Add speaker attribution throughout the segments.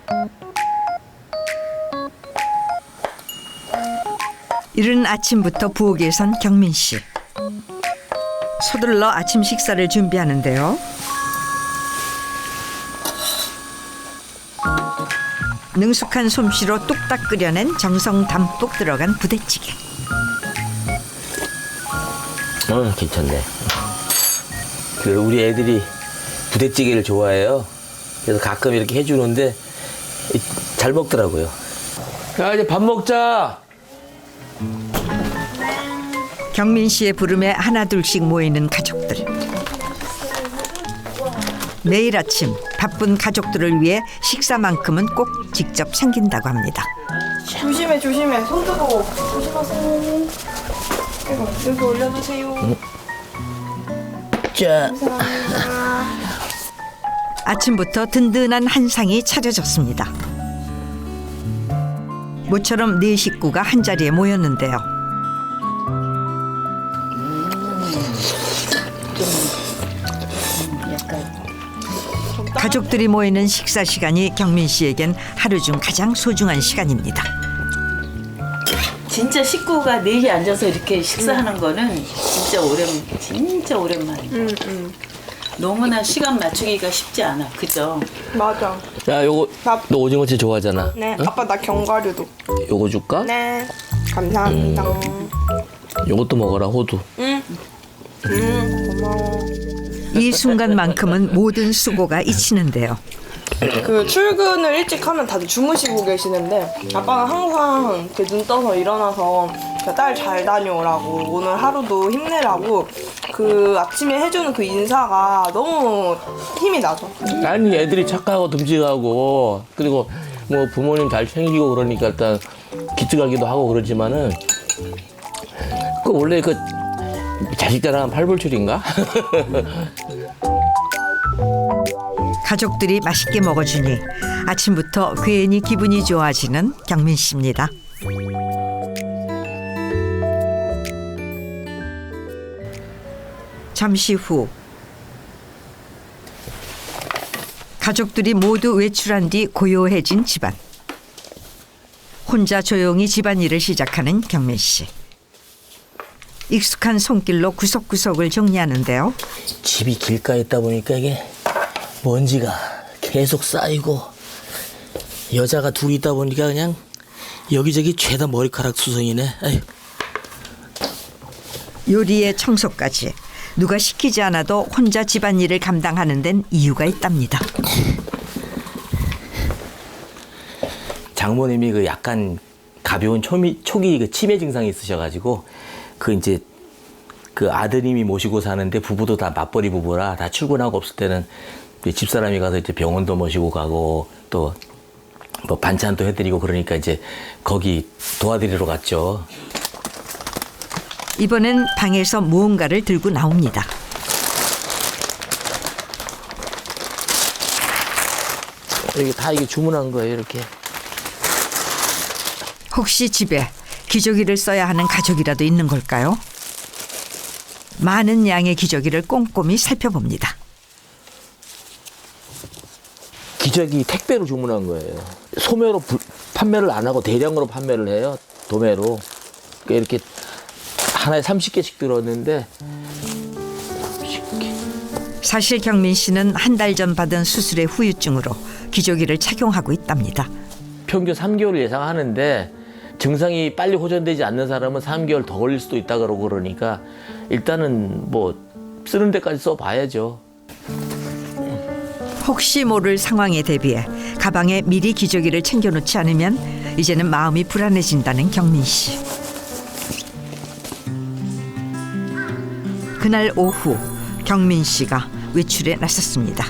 Speaker 1: 이른 아침부터 부엌에 선 경민 씨. 서둘러 아침 식사를 준비하는데요. 능숙한 솜씨로 뚝딱 끓여낸 정성 담뿍 들어간 부대찌개.
Speaker 2: 괜찮네. 우리 애들이 부대찌개를 좋아해요. 그래서 가끔 이렇게 해주는데 잘 먹더라고요. 야, 이제 밥 먹자.
Speaker 1: 경민 씨의 부름에 하나둘씩 모이는 가족들. 매일 아침 바쁜 가족들을 위해 식사만큼은 꼭 직접 챙긴다고 합니다.
Speaker 3: 조심해 조심해. 손 뜨거워. 조심하세요. 여기 올려주세요.
Speaker 2: 자.
Speaker 1: 아침부터 든든한 한상이 차려졌습니다. 모처럼 네 식구가 한자리에 모였는데요. 가족들이 모이는 식사 시간이 경민 씨에겐 하루 중 가장 소중한 시간입니다.
Speaker 4: 진짜 식구가 넷이 앉아서 이렇게 식사하는 거는 진짜 오랜만이에요. 너무나 시간 맞추기가 쉽지 않아. 그죠?
Speaker 3: 맞아.
Speaker 2: 야, 요거 너 오징어채 좋아하잖아.
Speaker 3: 네.
Speaker 2: 응?
Speaker 3: 아빠 나 견과류도.
Speaker 2: 요거 줄까?
Speaker 3: 네. 감사합니다.
Speaker 2: 요것도 먹어라, 호두.
Speaker 3: 고마워.
Speaker 1: 이 순간만큼은 모든 수고가 잊히는데요.
Speaker 3: 그 출근을 일찍 하면 다들 주무시고 계시는데 아빠는 항상 이렇게 눈 떠서 일어나서 딸 잘 다녀오라고 오늘 하루도 힘내라고 그 아침에 해주는 그 인사가 너무 힘이 나죠.
Speaker 2: 아니, 애들이 착하고 듬직하고 그리고 뭐 부모님 잘 챙기고 그러니까 일단 기특하기도 하고 그러지만은 그 원래 그 자식 자랑은 팔불출인가?
Speaker 1: 가족들이 맛있게 먹어주니 아침부터 괜히 기분이 좋아지는 경민 씨입니다. 잠시 후 가족들이 모두 외출한 뒤 고요해진 집안. 혼자 조용히 집안일을 시작하는 경민 씨. 익숙한 손길로 구석구석을 정리하는데요.
Speaker 2: 집이 길가에 있다 보니까 이게 먼지가 계속 쌓이고 여자가 둘이 있다 보니까 그냥 여기저기 죄다 머리카락 수성이네. 아유.
Speaker 1: 요리에 청소까지 누가 시키지 않아도 혼자 집안일을 감당하는 데는 이유가 있답니다.
Speaker 2: 장모님이 그 약간 가벼운 초기 그 치매 증상이 있으셔가지고 그 이제 그 아드님이 모시고 사는데 부부도 다 맞벌이 부부라 다 출근하고 없을 때는 집사람이 가서 이제 병원도 모시고 가고 또 뭐 반찬도 해드리고 그러니까 이제 거기 도와드리러 갔죠.
Speaker 1: 이번엔 방에서 무언가를 들고 나옵니다.
Speaker 2: 이게 다 이게 주문한 거예요, 이렇게.
Speaker 1: 혹시 집에 기저귀를 써야 하는 가족이라도 있는 걸까요? 많은 양의 기저귀를 꼼꼼히 살펴봅니다.
Speaker 2: 기저귀 택배로 주문한 거예요. 소매로 판매를 안 하고 대량으로 판매를 해요. 도매로. 그러니까 이렇게 하나에 30개씩 들었는데 30개.
Speaker 1: 사실 경민 씨는 한 달 전 받은 수술의 후유증으로 기저귀를 착용하고 있답니다.
Speaker 2: 평균 3개월 예상하는데 증상이 빨리 호전되지 않는 사람은 3개월 더 걸릴 수도 있다 그러고 그러니까 일단은 뭐 쓰는 데까지 써봐야죠.
Speaker 1: 혹시 모를 상황에 대비해 가방에 미리 기저귀를 챙겨놓지 않으면 이제는 마음이 불안해진다는 경민 씨. 그날 오후 경민 씨가 외출에 나섰습니다.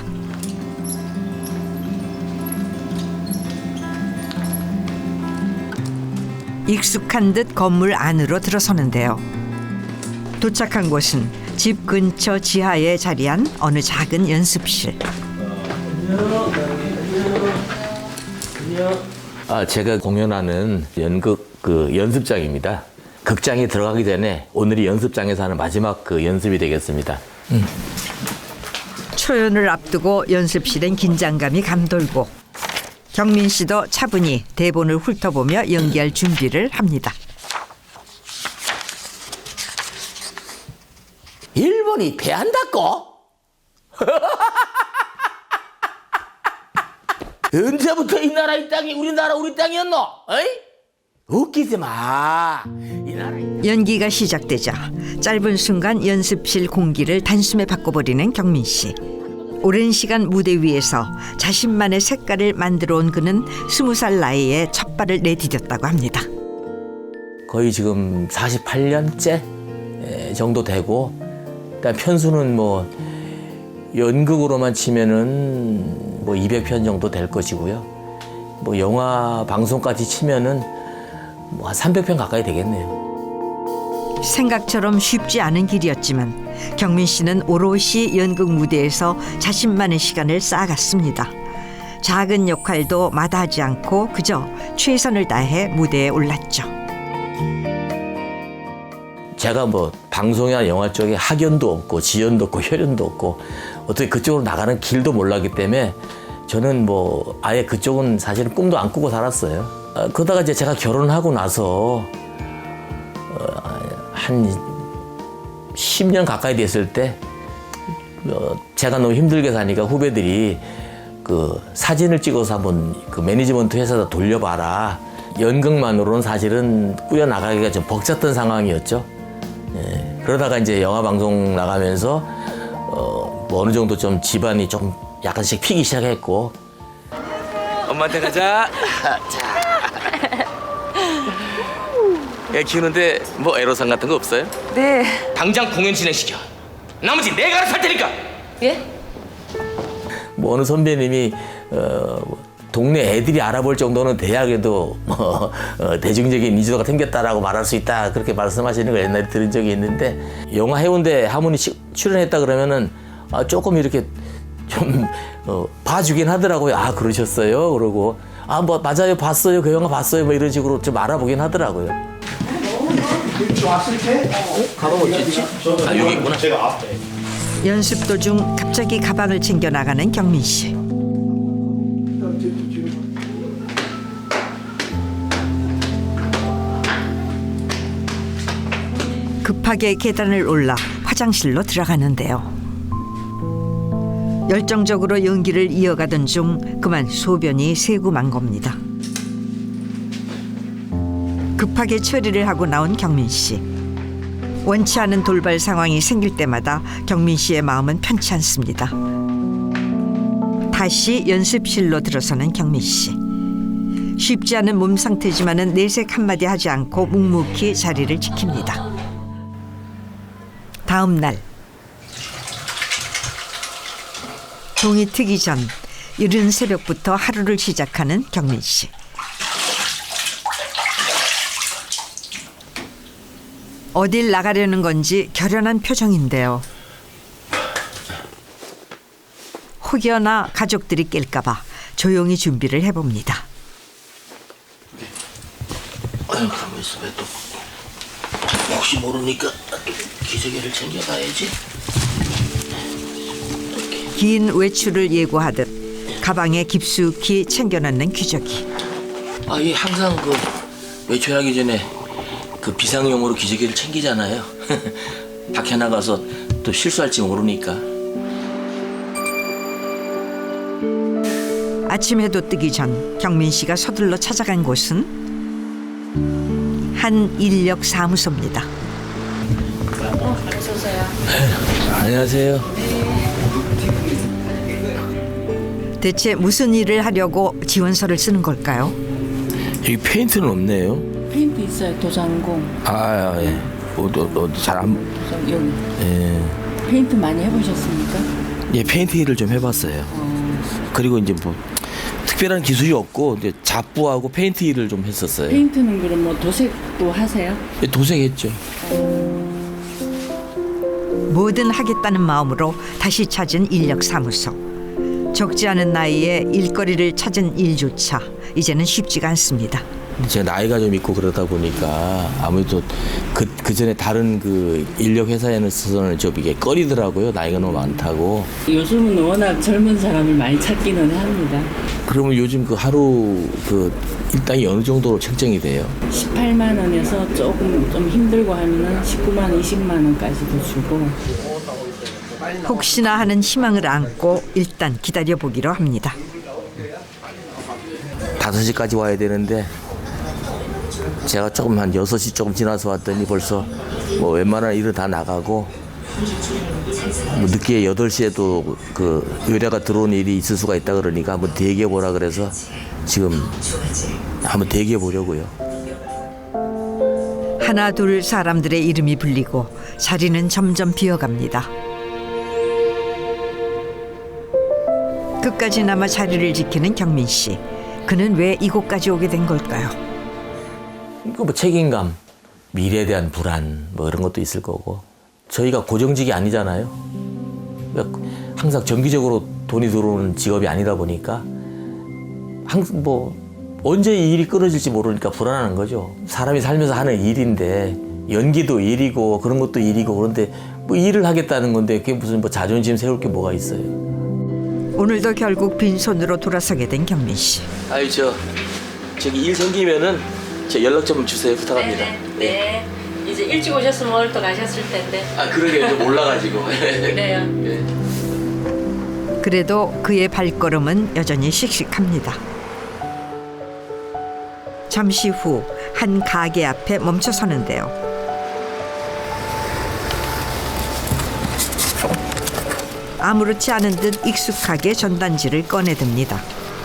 Speaker 1: 익숙한 듯 건물 안으로 들어서는데요. 도착한 곳은 집 근처 지하에 자리한 어느 작은 연습실.
Speaker 2: 제가 공연하는 연극 그 연습장입니다. 극장에 들어가기 전에 오늘이 연습장에서 하는 마지막 그 연습이 되겠습니다.
Speaker 1: 초연을 앞두고 연습실엔 긴장감이 감돌고 경민 씨도 차분히 대본을 훑어보며 연기할 준비를 합니다.
Speaker 2: 일본이 패한다고? 언제부터 이 나라 이 땅이 우리 땅이었노? 어이? 웃기지 마. 이 나라.
Speaker 1: 연기가 시작되자 짧은 순간 연습실 공기를 단숨에 바꿔버리는 경민 씨. 오랜 시간 무대 위에서 자신만의 색깔을 만들어 온 그는 20살 나이에 첫 발을 내디뎠다고 합니다.
Speaker 2: 거의 지금 48년째 정도 되고, 일단 편수는 뭐 연극으로만 치면은 뭐 200편 정도 될 것이고요. 뭐 영화 방송까지 치면은 뭐 한 300편 가까이 되겠네요.
Speaker 1: 생각처럼 쉽지 않은 길이었지만 경민 씨는 오롯이 연극 무대에서 자신만의 시간을 쌓아갔습니다. 작은 역할도 마다하지 않고 그저 최선을 다해 무대에 올랐죠.
Speaker 2: 제가 뭐 방송이나 영화 쪽에 학연도 없고 지연도 없고 혈연도 없고 어떻게 그쪽으로 나가는 길도 몰랐기 때문에 저는 뭐 아예 그쪽은 사실은 꿈도 안 꾸고 살았어요. 그러다가 이제 제가 결혼하고 나서 한 10년 가까이 됐을 때 제가 너무 힘들게 사니까 후배들이 그 사진을 찍어서 한번 그 매니지먼트 회사에다 돌려봐라. 연극만으로는 사실은 꾸려나가기가 좀 벅찼던 상황이었죠. 예, 그러다가 이제 영화 방송 나가면서 뭐 어느 정도 좀 집안이 좀 약간씩 피기 시작했고. 엄마한테 가자. 자. 애 키우는데 뭐 애로사항 같은 거 없어요?
Speaker 3: 네.
Speaker 2: 당장 공연 진행시켜. 나머지 내가 알아서 할 테니까.
Speaker 3: 예?
Speaker 2: 뭐 어느 선배님이 동네 애들이 알아볼 정도는 대학에도 뭐 대중적인 인지도가 생겼다라고 말할 수 있다, 그렇게 말씀하시는 걸 옛날에 들은 적이 있는데, 영화 해운대 하모니 출연했다 그러면은 조금 이렇게 좀 봐주긴 하더라고요. 아, 그러셨어요? 그러고 뭐 맞아요, 봤어요, 그 영화 봤어요, 뭐 이런 식으로 좀 알아보긴 하더라고요.
Speaker 5: 왔을 때
Speaker 2: 가방 어딨지? 아, 여기 있구나.
Speaker 5: 제가 앞에.
Speaker 1: 연습 도중 갑자기 가방을 챙겨 나가는 경민 씨. 급하게 계단을 올라 화장실로 들어가는데요. 열정적으로 연기를 이어가던 중 그만 소변이 새고 만 겁니다. 급하게 처리를 하고 나온 경민 씨. 원치 않은 돌발 상황이 생길 때마다 경민 씨의 마음은 편치 않습니다. 다시 연습실로 들어서는 경민 씨. 쉽지 않은 몸 상태지만은 내색 한마디 하지 않고 묵묵히 자리를 지킵니다. 다음 날 동이 트기 전 이른 새벽부터 하루를 시작하는 경민 씨. 어딜 나가려는 건지 결연한 표정인데요. 혹여나 가족들이 깰까 봐 조용히 준비를 해봅니다.
Speaker 2: 아유, 가만 있어. 왜 또 혹시 모르니까 기저귀를 챙겨가야지.
Speaker 1: 긴 외출을 예고하듯 가방에 깊숙이 챙겨넣는 기저귀.
Speaker 2: 이 항상 그 외출하기 전에 그 비상용으로 기저귀를 챙기잖아요. 밖에 나가서 또 실수할지 모르니까.
Speaker 1: 아침 해도 뜨기 전 경민 씨가 서둘러 찾아간 곳은 한 인력 사무소입니다.
Speaker 2: 안녕하세요.
Speaker 1: 대체 무슨 일을 하려고 지원서를 쓰는 걸까요?
Speaker 2: 여기 페인트는 없네요.
Speaker 4: 페인트 있어요. 도장공.
Speaker 2: 예. 잘 안.
Speaker 4: 여기.
Speaker 2: 예.
Speaker 4: 페인트 많이 해보셨습니까?
Speaker 2: 예, 페인트 일을 좀 해봤어요. 그리고 이제 뭐 특별한 기술이 없고 이제 잡부하고 페인트 일을 좀 했었어요.
Speaker 4: 페인트는 그럼 뭐 도색도 하세요?
Speaker 2: 예, 도색했죠.
Speaker 1: 뭐든 하겠다는 마음으로 다시 찾은 인력 사무소. 적지 않은 나이에 일거리를 찾은 일조차 이제는 쉽지가 않습니다.
Speaker 2: 제가 나이가 좀 있고 그러다 보니까 아무래도 그 전에 다른 그 인력 회사에서는 좀 이게 꺼리더라고요. 나이가 너무 많다고.
Speaker 4: 요즘은 워낙 젊은 사람을 많이 찾기는 합니다.
Speaker 2: 그러면 요즘 그 하루 그 일당이 어느 정도로 책정이 돼요?
Speaker 4: 18만 원에서 조금 좀 힘들고 하면은 19만 원, 20만 원까지도 주고.
Speaker 1: 혹시나 하는 희망을 안고 일단 기다려보기로 합니다.
Speaker 2: 5시까지 와야 되는데 제가 조금 한 6시 조금 지나서 왔더니 벌써 뭐 웬만한 일은 다 나가고 뭐 늦게 8시에도 그 의뢰가 들어온 일이 있을 수가 있다 그러니까 한번 대기해 보라 그래서 지금 한번 대기해 보려고요.
Speaker 1: 하나 둘 사람들의 이름이 불리고 자리는 점점 비어갑니다. 끝까지나마 자리를 지키는 경민 씨. 그는 왜 이곳까지 오게 된 걸까요?
Speaker 2: 그 뭐 책임감, 미래에 대한 불안 뭐 이런 것도 있을 거고 저희가 고정직이 아니잖아요. 그러니까 항상 정기적으로 돈이 들어오는 직업이 아니다 보니까 항상 뭐 언제 이 일이 끊어질지 모르니까 불안한 거죠. 사람이 살면서 하는 일인데 연기도 일이고 그런 것도 일이고 그런데 뭐 일을 하겠다는 건데 그게 무슨 뭐 자존심 세울 게 뭐가 있어요.
Speaker 1: 오늘도 결국 빈손으로 돌아서게 된 경민 씨.
Speaker 2: 아유 저기 일 생기면은 제 연락 좀 주세요 부탁합니다.
Speaker 6: 네. 이제 일찍 오셨으면 오늘 또 가셨을 텐데.
Speaker 2: 아 그러게 좀 몰라가지고.
Speaker 6: 그래요.
Speaker 2: 네.
Speaker 1: 그래도 그의 발걸음은 여전히 씩씩합니다. 잠시 후 한 가게 앞에 멈춰 서는데요. 아무렇지 않은 듯 익숙하게 전단지를 꺼내듭니다.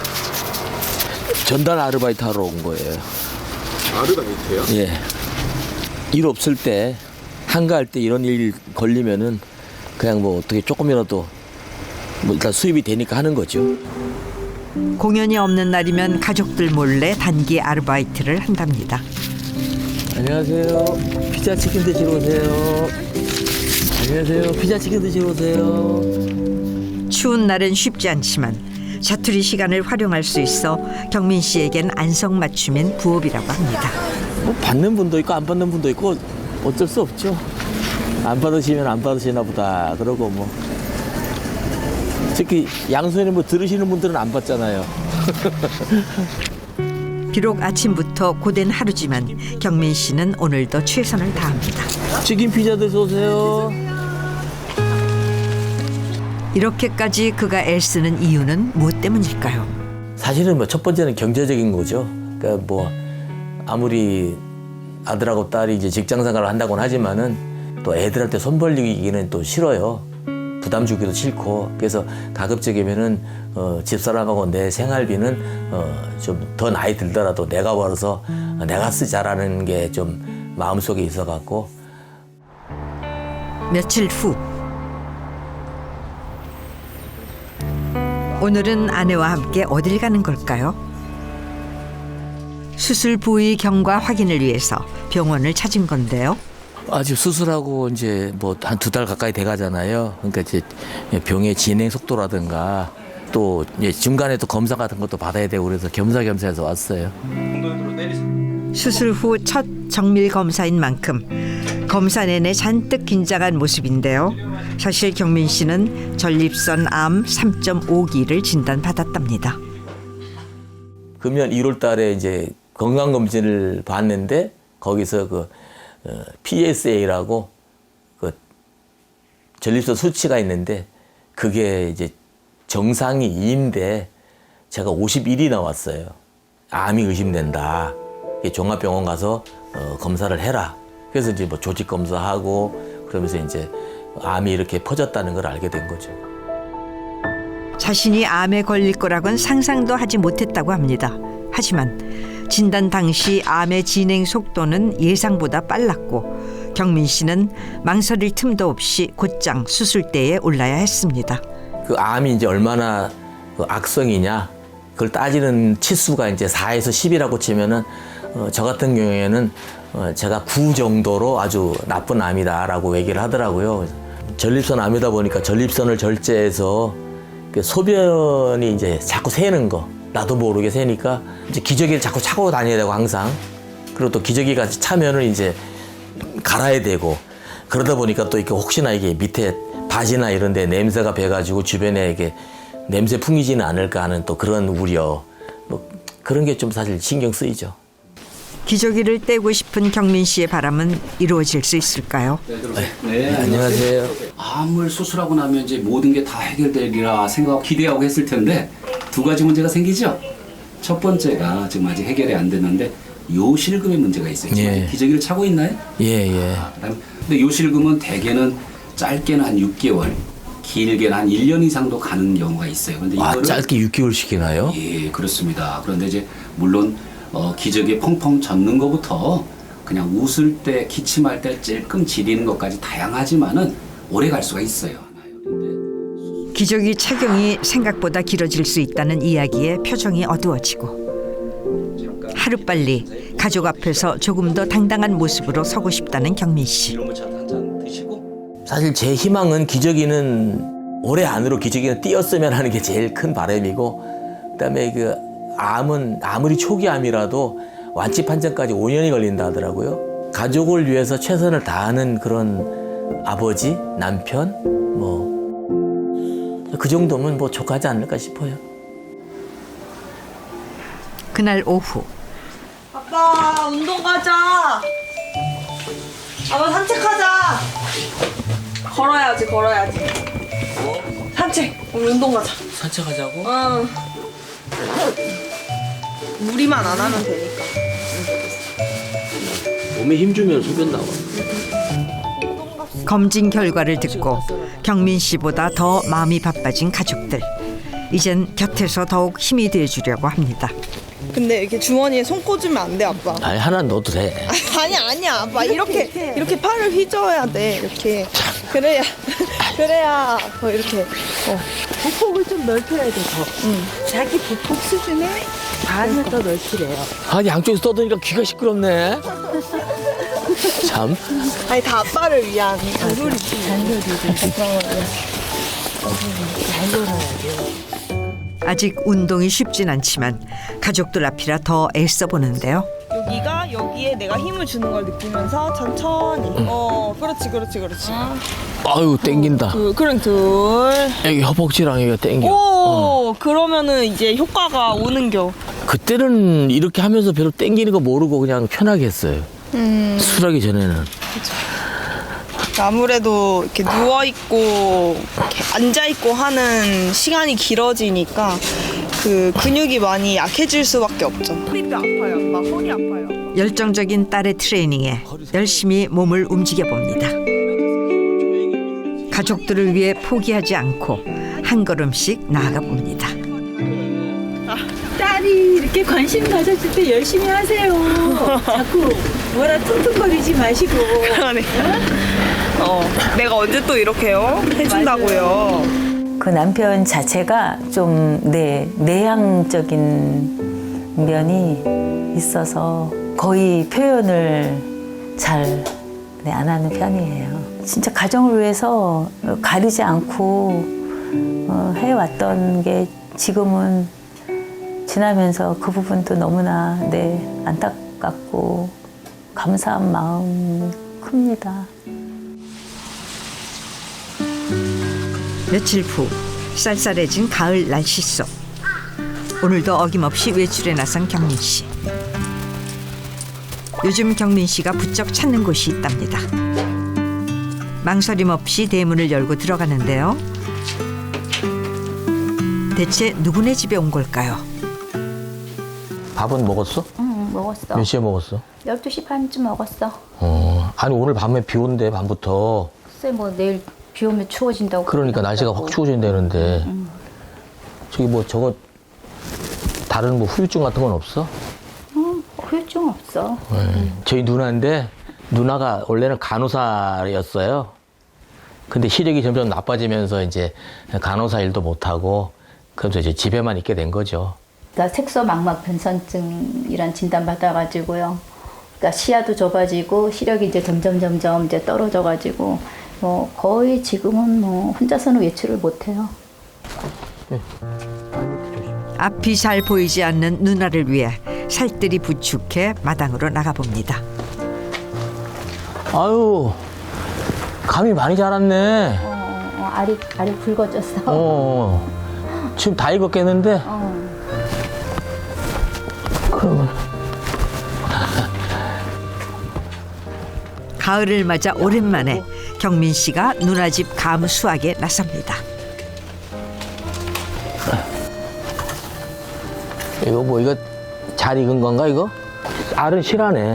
Speaker 2: 전달 아르바이트 하러 온 거예요.
Speaker 5: 아르바이트요?
Speaker 2: 예. 일 없을 때 한가할 때 이런 일 걸리면은 그냥 뭐 어떻게 조금이라도 뭐 일단 수입이 되니까 하는 거죠.
Speaker 1: 공연이 없는 날이면 가족들 몰래 단기 아르바이트를 한답니다.
Speaker 2: 안녕하세요. 피자 치킨 드시러 오세요. 안녕하세요. 피자 치킨 드시러 오세요.
Speaker 1: 추운 날은 쉽지 않지만 자투리 시간을 활용할 수 있어 경민 씨에겐 안성맞춤인 부업이라고 합니다.
Speaker 2: 뭐 받는 분도 있고 안 받는 분도 있고 어쩔 수 없죠. 안 받으시면 안 받으시나 보다. 그러고 뭐 특히 양손에 뭐 들으시는 분들은 안 받잖아요.
Speaker 1: 비록 아침부터 고된 하루지만 경민 씨는 오늘도 최선을 다합니다.
Speaker 2: 치킨 피자 드셔 오세요.
Speaker 1: 이렇게까지 그가 애쓰는 이유는 무엇 때문일까요?
Speaker 2: 사실은 뭐 첫 번째는 경제적인 거죠. 그러니까 뭐 아무리 아들하고 딸이 이제 직장 생활을 한다고는 하지만은 또 애들한테 손 벌리기는 또 싫어요. 부담 주기도 싫고 그래서 가급적이면은 집사람하고 내 생활비는 좀 더 나이 들더라도 내가 벌어서 내가 쓰자라는 게 좀 마음속에 있어갖고.
Speaker 1: 며칠 후 오늘은 아내와 함께 어딜 가는 걸까요? 수술 부위 경과 확인을 위해서 병원을 찾은 건데요.
Speaker 2: 아직 수술하고 이제 뭐 한 2달 가까이 돼 가잖아요. 그러니까 이제 병의 진행 속도라든가 또 이제 중간에 또 검사 같은 것도 받아야 되고 그래서 겸사겸사해서 왔어요.
Speaker 1: 수술 후 첫 정밀 검사인 만큼 검사 내내 잔뜩 긴장한 모습인데요. 사실 경민 씨는 전립선 암 3.5기를 진단받았답니다.
Speaker 2: 금년 1월 달에 이제 건강검진을 받는데 거기서 그 PSA라고 그 전립선 수치가 있는데 그게 이제 정상이 2인데 제가 51이 나왔어요. 암이 의심된다. 종합병원 가서 검사를 해라. 그래서 이제 뭐 조직 검사하고 그러면서 이제 암이 이렇게 퍼졌다는 걸 알게 된 거죠.
Speaker 1: 자신이 암에 걸릴 거라고는 상상도 하지 못했다고 합니다. 하지만 진단 당시 암의 진행 속도는 예상보다 빨랐고 경민 씨는 망설일 틈도 없이 곧장 수술대에 올라야 했습니다.
Speaker 2: 그 암이 이제 얼마나 그 악성이냐 그걸 따지는 치수가 이제 4에서 10이라고 치면은 저 같은 경우에는 제가 9 정도로 아주 나쁜 암이다라고 얘기를 하더라고요. 전립선 암이다 보니까 전립선을 절제해서 소변이 이제 자꾸 새는 거 나도 모르게 새니까 이제 기저귀를 자꾸 차고 다녀야 되고 항상. 그리고 또 기저귀가 차면은 이제 갈아야 되고 그러다 보니까 또 이렇게 혹시나 이게 밑에 바지나 이런 데 냄새가 배가지고 주변에 이게 냄새 풍기지는 않을까 하는 또 그런 우려. 뭐 그런 게 좀 사실 신경 쓰이죠.
Speaker 1: 기저귀를 떼고 싶은 경민 씨의 바람은 이루어질 수 있을까요?
Speaker 7: 네,
Speaker 2: 안녕하세요.
Speaker 7: 암을 수술하고 나면 이제 모든 게 다 해결되리라 기대하고 했을 텐데 두 가지 문제가 생기죠. 첫 번째가 지금 아직 해결이 안 됐는데 요실금의 문제가 있어요.
Speaker 2: 예.
Speaker 7: 기저귀를 차고 있나요?
Speaker 2: 예.
Speaker 7: 그다음에 근데 요실금은 대개는 짧게는 한 6개월, 길게는 한 1년 이상도 가는 경우가 있어요. 근데 이거를
Speaker 2: 짧게 6개월 시키나요?
Speaker 7: 예, 그렇습니다. 그런데 이제 물론 기저귀에 펑펑 젖는 것부터 그냥 웃을 때, 기침할 때 찔끔 지리는 것까지 다양하지만은 오래 갈 수가 있어요. 근데
Speaker 1: 기저귀 착용이 생각보다 길어질 수 있다는 이야기에 표정이 어두워지고 하루빨리 가족 앞에서 조금 더 당당한 모습으로 서고 싶다는 경민 씨.
Speaker 7: 한잔 드시고
Speaker 2: 사실 제 희망은 기저귀는 올해 안으로 기저귀는 띄었으면 하는 게 제일 큰 바람이고 그다음에 그 암은 아무리 초기암이라도 완치 판정까지 5년이 걸린다 하더라고요. 가족을 위해서 최선을 다하는 그런 아버지, 남편 뭐 그 정도면 뭐 족하지 않을까 싶어요.
Speaker 1: 그날 오후
Speaker 3: 아빠 운동 가자. 아빠 산책하자. 걸어야지. 산책. 우리 운동 가자.
Speaker 2: 산책하자고?
Speaker 3: 응. 무리만 안 하면 되니까.
Speaker 2: 몸에 힘 주면 소변 나와.
Speaker 1: 검진 결과를 듣고 경민 씨보다 더 마음이 바빠진 가족들. 이젠 곁에서 더욱 힘이 돼주려고 합니다.
Speaker 3: 근데 이렇게 주머니에 손 꽂으면 안 돼, 아빠.
Speaker 2: 아니 하나 넣어도 돼.
Speaker 3: 아니야, 아빠. 이렇게 팔을 휘저어야 돼. 이렇게. 그래야 이렇게.
Speaker 8: 보폭을 좀 넓혀야 돼, 더. 자기 보폭 수준에 반을 더 넓히래요.
Speaker 2: 아니 양쪽에서 떠드니까 귀가 시끄럽네. 참.
Speaker 3: 아니 다 아빠를 위한 잔소리지.
Speaker 1: 아직 운동이 쉽진 않지만 가족들 앞이라 더 애써 보는데요.
Speaker 3: 여기가 여기에 내가 힘을 주는 걸 느끼면서 천천히. 그렇지.
Speaker 2: 아유 땡긴다.
Speaker 3: 그럼 둘.
Speaker 2: 여기 허벅지랑 여기가 땡겨.
Speaker 3: 오, 그러면은 이제 효과가 오는겨.
Speaker 2: 그때는 이렇게 하면서 별로 땡기는 거 모르고 그냥 편하게 했어요. 술하기 전에는.
Speaker 3: 아무래도 이렇게 누워 있고 앉아 있고 하는 시간이 길어지니까 그 근육이 많이 약해질 수밖에 없죠. 허리도 아파요, 아빠. 허리 아파요.
Speaker 1: 열정적인 딸의 트레이닝에 열심히 몸을 움직여 봅니다. 가족들을 위해 포기하지 않고 한 걸음씩 나아가 봅니다.
Speaker 8: 딸이 이렇게 관심 가졌을 때 열심히 하세요. 자꾸 뭐라 퉁퉁거리지 마시고.
Speaker 3: 그러네. 내가 언제 또 이렇게요? 해준다고요.
Speaker 9: 그 남편 자체가 좀 내향적인 면이 있어서 거의 표현을 잘 안 하는 편이에요. 진짜 가정을 위해서 가리지 않고 해왔던 게 지금은 지나면서 그 부분도 너무나 안타깝고 감사한 마음이 큽니다.
Speaker 1: 며칠 후 쌀쌀해진 가을 날씨 속 오늘도 어김없이 외출에 나선 경민 씨. 요즘 경민 씨가 부쩍 찾는 곳이 있답니다. 망설임 없이 대문을 열고 들어가는데요. 대체 누구네 집에 온 걸까요?
Speaker 2: 밥은 먹었어?
Speaker 10: 응, 먹었어.
Speaker 2: 몇 시에 먹었어?
Speaker 10: 12시 반쯤 먹었어.
Speaker 2: 아니 오늘 밤에 비 온대 밤부터.
Speaker 10: 글쎄 뭐 내일 비 오면 추워진다고.
Speaker 2: 그러니까 날씨가 확 추워진다는데. 저기 뭐 저거 다른 뭐 후유증 같은 건 없어?
Speaker 10: 후유증 없어.
Speaker 2: 저희 누나인데 누나가 원래는 간호사였어요. 근데 시력이 점점 나빠지면서 이제 간호사 일도 못하고 그래서 이제 집에만 있게 된 거죠.
Speaker 10: 나 색소망막 변선증이란 진단 받아가지고요. 그러니까 시야도 좁아지고 시력이 이제 점점 이제 떨어져가지고 뭐 거의 지금은 뭐 혼자서는 외출을 못해요.
Speaker 1: 앞이 잘 보이지 않는 누나를 위해 살뜰히 부축해 마당으로 나가봅니다.
Speaker 2: 아유, 감이 많이 자랐네.
Speaker 10: 알이 굵어졌어.
Speaker 2: 지금 다 익었겠는데? 그러면
Speaker 1: 가을을 맞아 오랜만에 경민 씨가 누나 집 감 수확에 나섭니다.
Speaker 2: 이거 뭐 이거 잘 익은 건가 이거? 알은 실하네.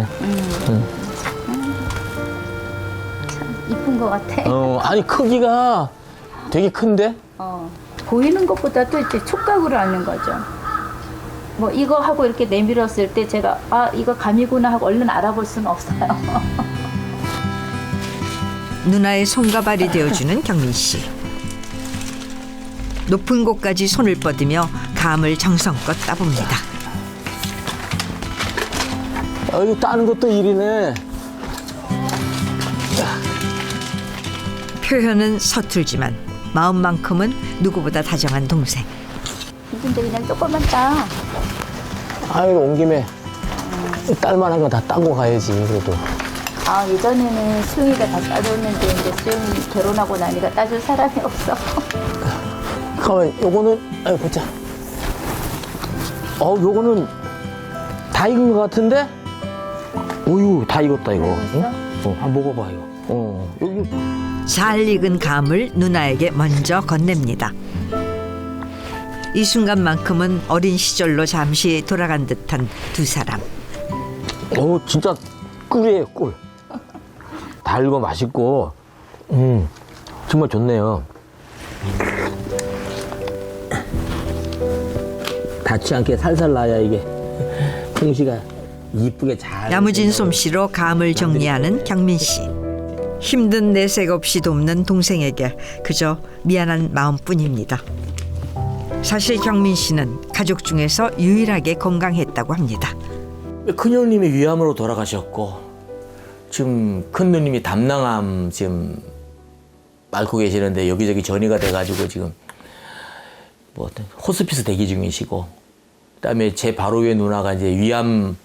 Speaker 10: 이쁜 것 같아.
Speaker 2: 아니 크기가 되게 큰데?
Speaker 10: 보이는 것보다도 이제 촉각으로 아는 거죠. 뭐 이거 하고 이렇게 내밀었을 때 제가 이거 감이구나 하고 얼른 알아볼 수는 없어요.
Speaker 1: 누나의 손과 발이 되어주는 경민 씨. 높은 곳까지 손을 뻗으며 감을 정성껏 따봅니다.
Speaker 2: 이거 따는 것도 일이네.
Speaker 1: 표현은 서툴지만 마음만큼은 누구보다 다정한 동생.
Speaker 10: 근데 그냥 조금만 따.
Speaker 2: 이거 온 김에 딸만한 거 다 따고 가야지 그래도.
Speaker 10: 예전에는 수영이가 다 따줬는데 이제 수영이 결혼하고 나니까 따줄 사람이 없어.
Speaker 2: 가만, 요거는 보자. 요거는 다 익은 것 같은데? 오유, 다 익었다 이거. 한번 먹어봐 이거. 여기.
Speaker 1: 잘 익은 감을 누나에게 먼저 건넵니다. 이 순간만큼은 어린 시절로 잠시 돌아간 듯한 두 사람.
Speaker 2: 진짜 꿀이에요 꿀. 달고 맛있고, 정말 좋네요. 닿지 않게 살살 나야 이게 풍시가 이쁘게 잘.
Speaker 1: 야무진 솜씨로 감을 정리하는 경민 씨. 힘든 내색 없이 돕는 동생에게 그저 미안한 마음뿐입니다. 사실 경민 씨는 가족 중에서 유일하게 건강했다고 합니다.
Speaker 2: 큰형님이 위암으로 돌아가셨고 지금 큰 누님이 담낭암 지금 앓고 계시는데 여기저기 전이가 돼가지고 지금 뭐 호스피스 대기 중이시고, 그다음에 제 바로 위에 누나가 이제 위암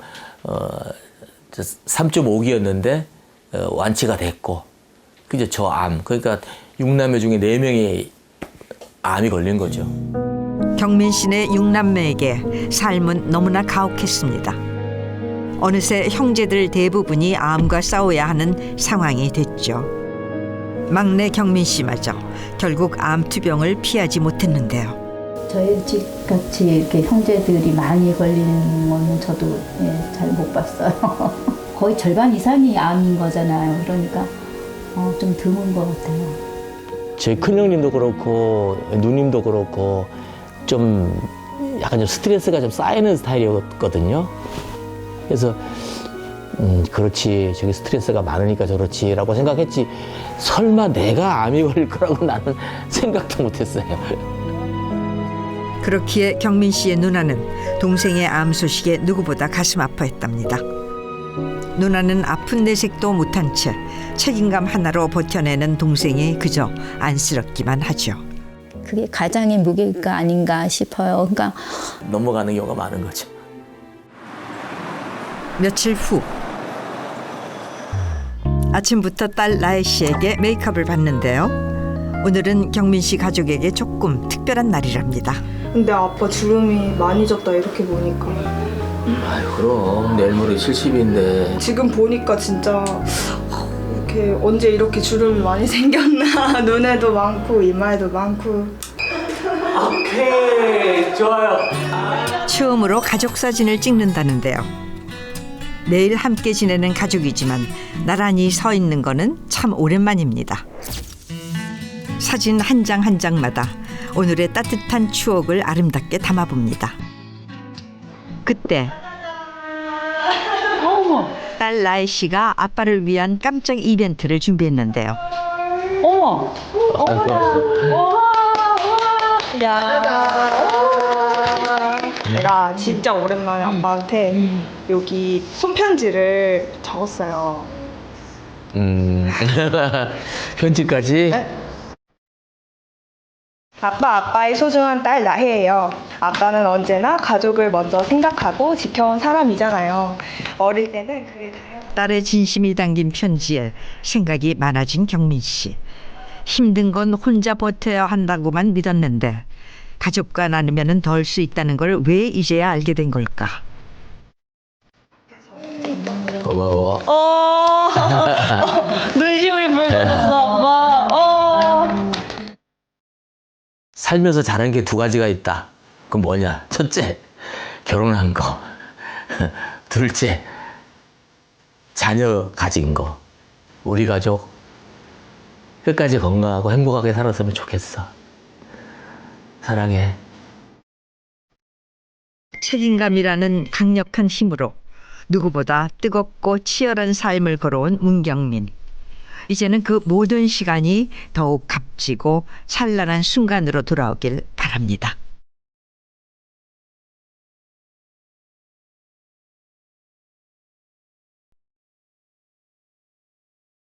Speaker 2: 3.5기였는데 완치가 됐고, 그죠? 저 암. 그러니까 6남매 중에 4명이 암이 걸린 거죠.
Speaker 1: 경민 씨네 6남매에게 삶은 너무나 가혹했습니다. 어느새 형제들 대부분이 암과 싸워야 하는 상황이 됐죠. 막내 경민 씨마저 결국 암투병을 피하지 못했는데요.
Speaker 10: 저희 집 같이 이렇게 형제들이 많이 걸리는 거는 저도 잘 못 봤어요. 거의 절반 이상이 암인 거잖아요. 그러니까 좀 드문 것 같아요.
Speaker 2: 제 큰형님도 그렇고 누님도 그렇고 좀 약간 좀 스트레스가 좀 쌓이는 스타일이었거든요. 그래서 그렇지, 저기 스트레스가 많으니까 저렇지라고 생각했지, 설마 내가 암이 걸릴 거라고 나는 생각도 못했어요.
Speaker 1: 그렇기에 경민 씨의 누나는 동생의 암 소식에 누구보다 가슴 아파했답니다. 누나는 아픈 내색도 못한 채 책임감 하나로 버텨내는 동생이 그저 안쓰럽기만 하죠.
Speaker 10: 그게 가장의 무게가 아닌가 싶어요. 그러니까
Speaker 2: 넘어가는 경우가 많은 거죠.
Speaker 1: 며칠 후 아침부터 딸 나혜 씨에게 메이크업을 받는데요. 오늘은 경민 씨 가족에게 조금 특별한 날이랍니다.
Speaker 3: 근데 아빠 주름이 많이 졌다 이렇게 보니까.
Speaker 2: 아유, 그럼 내일 모레 70인데.
Speaker 3: 지금 보니까 진짜 이렇게 언제 이렇게 주름이 많이 생겼나. 눈에도 많고 이마에도 많고.
Speaker 2: 오케이, 좋아요.
Speaker 1: 처음으로 가족 사진을 찍는다는데요. 매일 함께 지내는 가족이지만 나란히 서 있는 거는 참 오랜만입니다. 사진 한 장 한 장마다 오늘의 따뜻한 추억을 아름답게 담아봅니다. 그때 딸 나혜 씨가 아빠를 위한 깜짝 이벤트를 준비했는데요.
Speaker 8: 어머!
Speaker 3: 내가 진짜 오랜만에 아빠한테 여기 손편지를 적었어요.
Speaker 2: 편지까지?
Speaker 3: 네? 아빠의 소중한 딸 나혜예요. 아빠는 언제나 가족을 먼저 생각하고 지켜온 사람이잖아요. 어릴 때는 그게 다요.
Speaker 1: 딸의 진심이 담긴 편지에 생각이 많아진 경민 씨. 힘든 건 혼자 버텨야 한다고만 믿었는데 가족과 나누면 덜 수 있다는 걸 왜 이제야 알게 된 걸까?
Speaker 2: 고마워.
Speaker 3: 눈심을 불렀어, 아빠.
Speaker 2: 살면서 잘한 게 두 가지가 있다. 그건 뭐냐? 첫째, 결혼한 거. 둘째, 자녀 가진 거. 우리 가족 끝까지 건강하고 행복하게 살았으면 좋겠어. 사랑해.
Speaker 1: 책임감이라는 강력한 힘으로 누구보다 뜨겁고 치열한 삶을 걸어온 문경민. 이제는 그 모든 시간이 더욱 값지고 찬란한 순간으로 돌아오길 바랍니다.